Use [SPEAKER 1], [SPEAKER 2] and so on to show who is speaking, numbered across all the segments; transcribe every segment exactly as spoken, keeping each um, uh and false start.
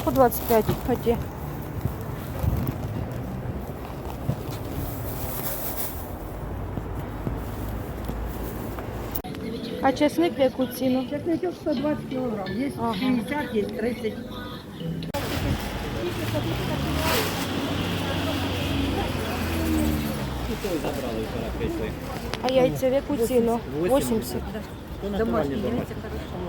[SPEAKER 1] По двадцять п'ять оті. А чесник в яку ціну?
[SPEAKER 2] Чесночок сто двадцать килограмм. Есть
[SPEAKER 1] Ага.
[SPEAKER 2] пятьдесят, есть тридцать.
[SPEAKER 1] А яйця в яку ціну? вісімдесят.
[SPEAKER 2] Домашние яйца хорошо.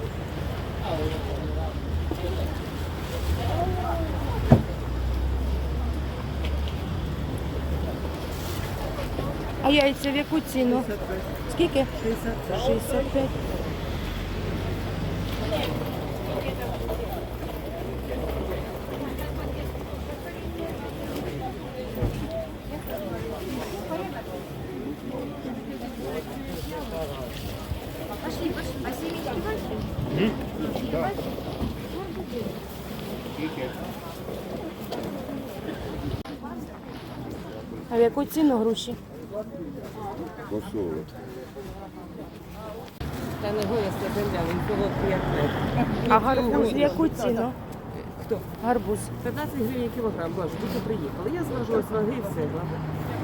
[SPEAKER 1] А яйця в яку ціну? Скільки?
[SPEAKER 2] шестьдесят.
[SPEAKER 1] шістдесят п'ять. А в яку ціну груші?
[SPEAKER 3] По сорок.
[SPEAKER 2] Та не гоясна земля, він солодкий як мед.
[SPEAKER 1] А гарбуз в яку ціну?
[SPEAKER 2] Хто?
[SPEAKER 1] Гарбуз.
[SPEAKER 2] п'ятнадцять гривень кілограм, боже, тільки приїхали. Я зважила з ваги і все. ладно.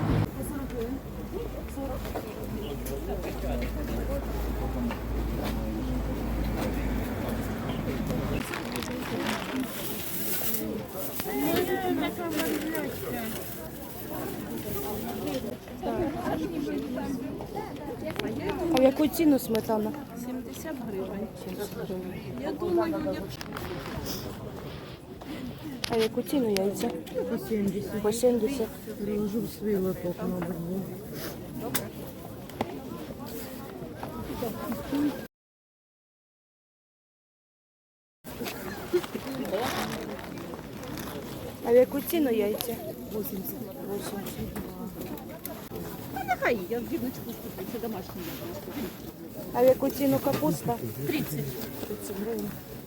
[SPEAKER 1] А в яку ціну сметана?
[SPEAKER 2] сімдесят гривень. Я думаю, я...
[SPEAKER 1] А в яку ціну яйця?
[SPEAKER 2] По сімдесят.
[SPEAKER 1] По сімдесят.
[SPEAKER 2] Приложу в свій лоток, мабуть.
[SPEAKER 1] А в яку ціну яйця?
[SPEAKER 2] вісімдесят.
[SPEAKER 1] вісімдесят.
[SPEAKER 2] А нехай, я в гірничку куплю, це домашній яблучко.
[SPEAKER 1] А в яку ціну капуста?
[SPEAKER 2] тридцять.
[SPEAKER 1] тридцять гривень.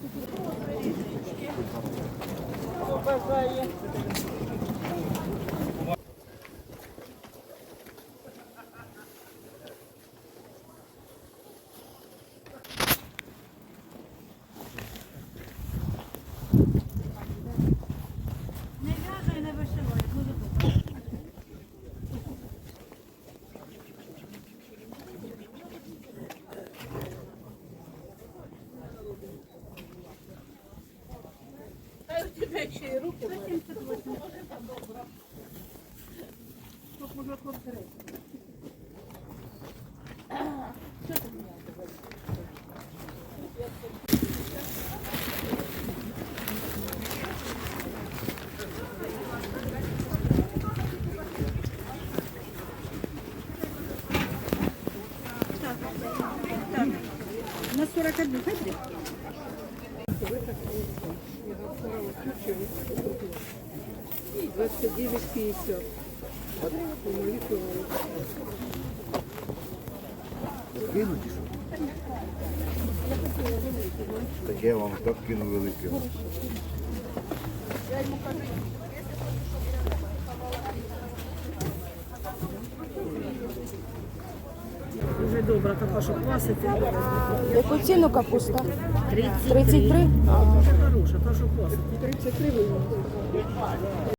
[SPEAKER 2] На сорок один, смотри. двадцать девять пятьдесят.
[SPEAKER 3] Кинуть що? Так я вам так кину велике.
[SPEAKER 2] Дуже добра така, що кваситься.
[SPEAKER 1] В яку ціну капуста?
[SPEAKER 2] тридцять.
[SPEAKER 1] тридцять три?
[SPEAKER 2] Дуже хороша, та що квасить. тридцять три.